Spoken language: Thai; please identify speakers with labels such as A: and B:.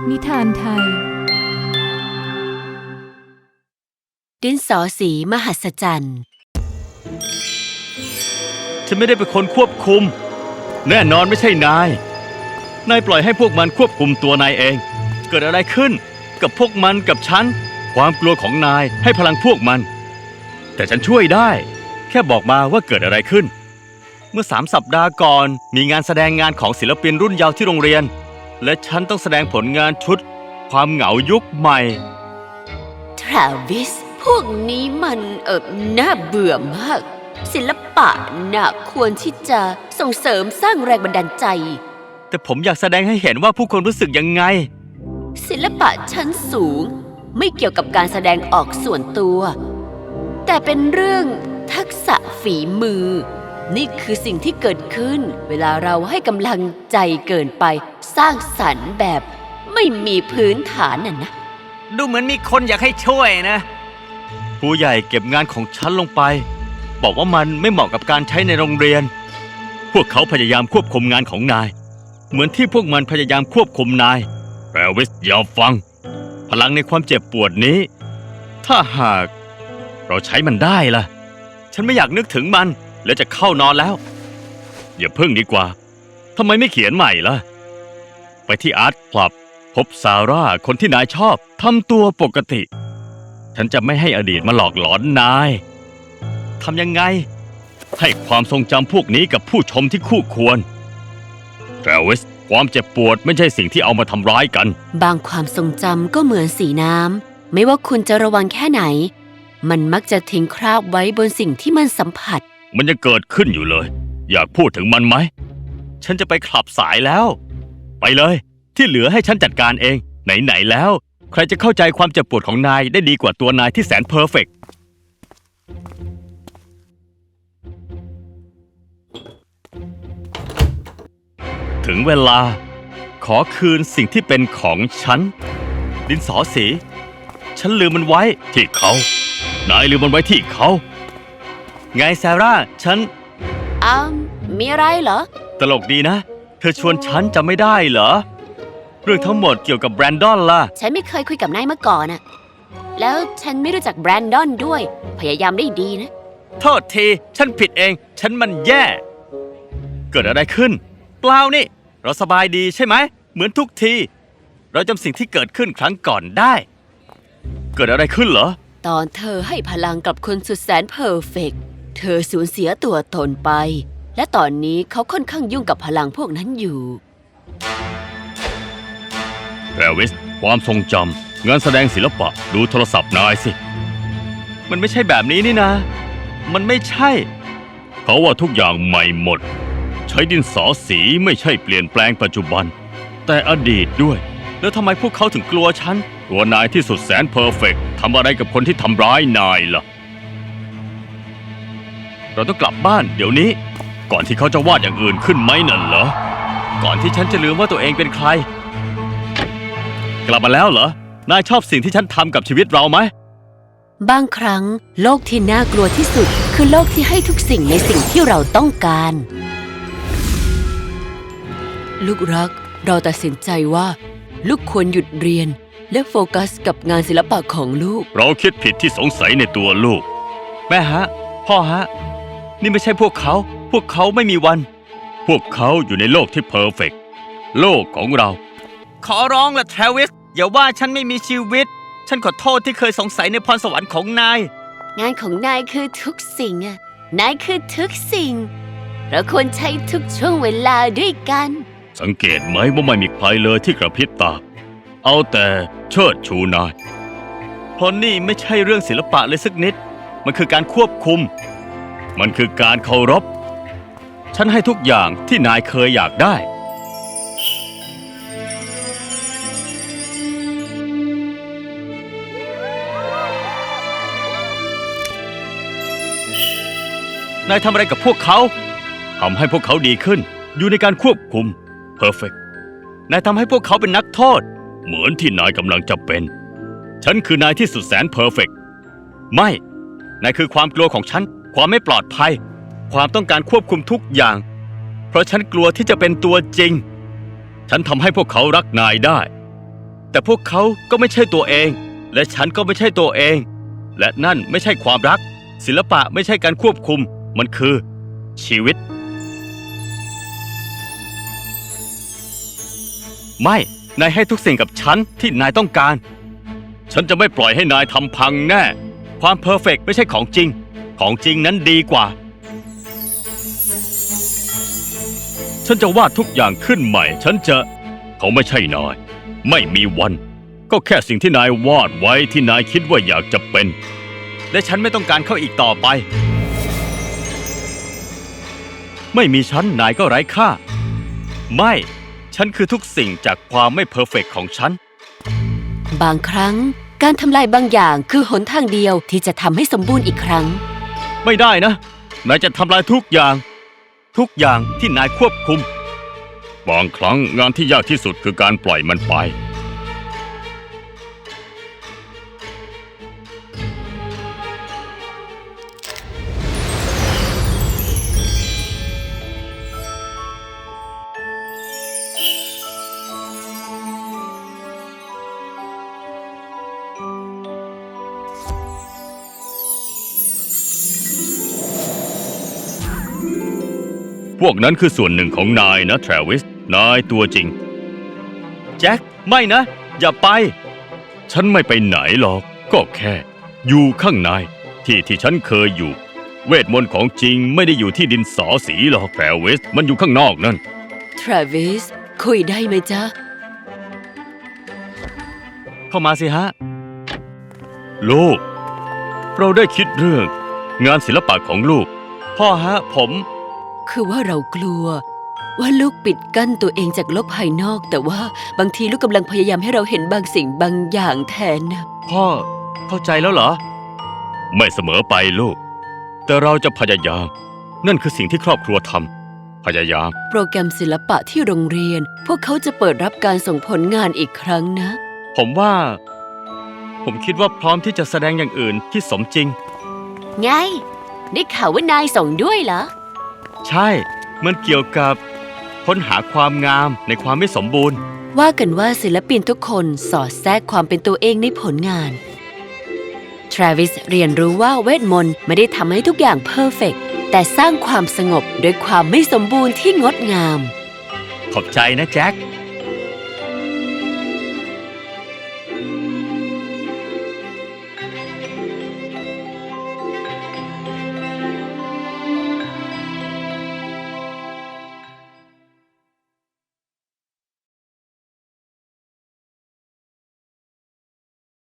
A: นิทานไทย
B: ดินสอสีมหัศจรรย์
C: ฉันไม่ได้เป็นคนควบคุมแน่นอนไม่ใช่นายปล่อยให้พวกมันควบคุมตัวนายเองเกิดอะไรขึ้นกับพวกมันกับฉันความกลัวของนายให้พลังพวกมันแต่ฉันช่วยได้แค่บอกมาว่าเกิดอะไรขึ้นเมื่อ3 สัปดาห์ก่อนมีงานแสดงงานของศิลปินรุ่นเยาว์ที่โรงเรียนและฉันต้องแสดงผลงานชุดความเหงายุคใหม่
B: ทราวิสพวกนี้มันน่าเบื่อมากศิลปะน่ะควรที่จะส่งเสริมสร้างแรงบันดาลใจ
C: แต่ผมอยากแสดงให้เห็นว่าผู้คนรู้สึกยังไง
B: ศิลปะชั้นสูงไม่เกี่ยวกับการแสดงออกส่วนตัวแต่เป็นเรื่องทักษะฝีมือนี่คือสิ่งที่เกิดขึ้นเวลาเราให้กำลังใจเกินไปสร้างสรรค์แบบไม่มีพื้นฐานน่ะนะ
C: ดูเหมือนมีคนอยากให้ช่วยนะผู้ใหญ่เก็บงานของฉันลงไปบอกว่ามันไม่เหมาะกับการใช้ในโรงเรียนพวกเขาพยายามควบคุมงานของนายเหมือนที่พวกมันพยายามควบคุมนายแปรวิสอย่าฟังพลังในความเจ็บปวดนี้ถ้าหากเราใช้มันได้ล่ะฉันไม่อยากนึกถึงมันและจะเข้านอนแล้วอย่าเพิ่งดีกว่าทำไมไม่เขียนใหม่ล่ะไปที่อาร์ตคลับพบซาร่าคนที่นายชอบทำตัวปกติฉันจะไม่ให้อดีตมาหลอกหลอนนายทำยังไงให้ความทรงจำพวกนี้กับผู้ชมที่คู่ควรแทรวิสความเจ็บปวดไม่ใช่สิ่งที่เอามาทำร้ายกัน
B: บางความทรงจำก็เหมือนสีน้ำไม่ว่าคุณจะระวังแค่ไหนมันมักจะทิ้งคราบไว้บนสิ่งที่มันสัมผัส
C: มันยังเกิดขึ้นอยู่เลยอยากพูดถึงมันไหมฉันจะไปคลับสายแล้วไปเลยที่เหลือให้ฉันจัดการเองไหนๆแล้วใครจะเข้าใจความเจ็บปวดของนายได้ดีกว่าตัวนายที่แสนเพอร์เฟกต์ถึงเวลาขอคืนสิ่งที่เป็นของฉันดินสอสีฉันลืมมันไว้ที่เขานายลืมมันไว้ที่เขาไงซาร่าฉัน
B: มีอะไรเหรอ
C: ตลกดีนะเธอชวนฉันจำไม่ได้เหรอเรื่องทั้งหมดเกี่ยวกับแบรนดอนล่ะ
B: ฉันไม่เคยคุยกับนายมาก่อนน่ะแล้วฉันไม่รู้จักแบรนดอนด้วยพยายามได้ดีนะ
C: โทษทีฉันผิดเองฉันมันแย่เกิดอะไรขึ้นเปล่านี่เราสบายดีใช่ไหมเหมือนทุกทีเราจำสิ่งที่เกิดขึ้นครั้งก่อนได้เกิดอะไรขึ้นเหรอ
B: ตอนเธอให้พลังกับคนสุดแสนเพอร์เฟกต์เธอสูญเสียตัวตนไปและตอนนี้เขาค่อนข้างยุ่งกับพลังพวกนั้นอยู่
C: แทรวิสความทรงจำงานแสดงศิลปะดูโทรศัพท์นายสิมันไม่ใช่แบบนี้นี่นะมันไม่ใช่เขาว่าทุกอย่างใหม่หมดใช้ดินสอสีไม่ใช่เปลี่ยนแปลงปัจจุบันแต่อดีตด้วยแล้วทำไมพวกเขาถึงกลัวฉันกลัวนายที่สุดแสนเพอร์เฟกต์ทำอะไรกับคนที่ทำร้ายนายล่ะเราต้องกลับบ้านเดี๋ยวนี้ก่อนที่เขาจะวาดอย่างอื่นขึ้นไหมนั่นเหรอก่อนที่ฉันจะลืมว่าตัวเองเป็นใครกลับมาแล้วเหรอนายชอบสิ่งที่ฉันทำกับชีวิตเราไหม
B: บางครั้งโลกที่น่ากลัวที่สุดคือโลกที่ให้ทุกสิ่งในสิ่งที่เราต้องการลูกรักเราตัดสินใจว่าลูกควรหยุดเรียนและโฟกัสกับงานศิลปะของลูก
C: เราคิดผิดที่สงสัยในตัวลูกแม่ฮะพ่อฮะนี่ไม่ใช่พวกเขาไม่มีวันพวกเขาอยู่ในโลกที่เพอร์เฟกต์โลกของเราขอร้องละทรวิสอย่าว่าฉันไม่มีชีวิตฉันขอโทษที่เคยสงสัยในพรสวรรค์ของนาย
B: งานของนายคือทุกสิ่งอะนายคือทุกสิ่งเราควรใช้ทุกช่วงเวลาด้วยกัน
C: สังเกตไหมว่าไม่มีใครเลยที่กระพริบตาเอาแต่เชิดชูนายเพราะนี่ไม่ใช่เรื่องศิลปะเลยสักนิดมันคือการควบคุมมันคือการเคารพฉันให้ทุกอย่างที่นายเคยอยากได้นายทำอะไรกับพวกเขาทำให้พวกเขาดีขึ้นอยู่ในการควบคุมเพอร์เฟกต์นายทำให้พวกเขาเป็นนักโทษเหมือนที่นายกำลังจะเป็นฉันคือนายที่สุดแสนเพอร์เฟกต์ไม่นายคือความกลัวของฉันความไม่ปลอดภัยความต้องการควบคุมทุกอย่างเพราะฉันกลัวที่จะเป็นตัวจริงฉันทำให้พวกเขารักนายได้แต่พวกเขาก็ไม่ใช่ตัวเอง และฉันก็ไม่ใช่ตัวเอง และนั่นไม่ใช่ความรัก ศิลปะไม่ใช่การควบคุม มันคือชีวิต ไม่ นายให้ทุกสิ่งกับฉันที่นายต้องการ ฉันจะไม่ปล่อยให้นายทำพังแน่ ความเพอร์เฟกต์ไม่ใช่ของจริง ของจริงนั้นดีกว่า ฉันจะวาดทุกอย่างขึ้นใหม่ เขาไม่ใช่นาย ไม่มีวัน ก็แค่สิ่งที่นายวาดไว้ที่นายคิดว่าอยากจะเป็น และฉันไม่ต้องการเขาอีกต่อไป ไม่มีฉันนายก็ไร้ค่า ไม่ ฉันคือทุกสิ่งจากความไม่เพอร์เฟกต์ของฉัน
B: บางครั้งการทำลายบางอย่างคือหนทางเดียวที่จะทำให้สมบูรณ์อีกครั้ง
C: ไม่ได้นะ นายจะทำลายทุกอย่างที่นายควบคุม บางครั้งงานที่ยากที่สุดคือการปล่อยมันไป พวกนั้นคือส่วนหนึ่งของนายนะ ทราวิส นายตัวจริง แจ็ค ไม่นะ อย่าไป ฉันไม่ไปไหนหรอก ก็แค่อยู่ข้างในที่ฉันเคยอยู่ เวทมนต์ของจริงไม่ได้อยู่ที่ดินสอสีหรอก ทราวิส มันอยู่ข้างนอกนั่น
B: ทราวิส คุยได้ไหมจ๊ะ
C: เข้ามาสิฮะ ลูก เราได้คิดเรื่องงานศิลปะของลูก พ่อฮะ
B: คือว่าเรากลัว ว่าลูกปิดกั้นตัวเองจากโลกภายนอก แต่ว่าบางทีลูกกำลังพยายามให้เราเห็นบางสิ่งบางอย่างแทนนะ
C: พ่อเข้าใจแล้วเหรอ ไม่เสมอไปลูก แต่เราจะพยายาม นั่นคือสิ่งที่ครอบครัวทำพยายาม
B: โปรแกรมศิลปะที่โรงเรียน พวกเขาจะเปิดรับการส่งผลงานอีกครั้งนะ
C: ผมคิดว่าพร้อมที่จะแสดงอย่างอื่นที่สมจริง
B: ไง ได้ข่าวว่านายส่งด้วยเหรอ
C: ใช่ มันเกี่ยวกับค้นหาความงามในความไม่สมบูรณ์
B: ว่ากันว่าศิลปินทุกคนสอดแทรกความเป็นตัวเองในผลงาน ทราวิสเรียนรู้ว่าเวทมนต์ไม่ได้ทำให้ทุกอย่างเพอร์เฟกต์แต่สร้างความสงบด้วยความไม่สมบูรณ์ที่งดงาม
C: ขอบใจนะแจ็ค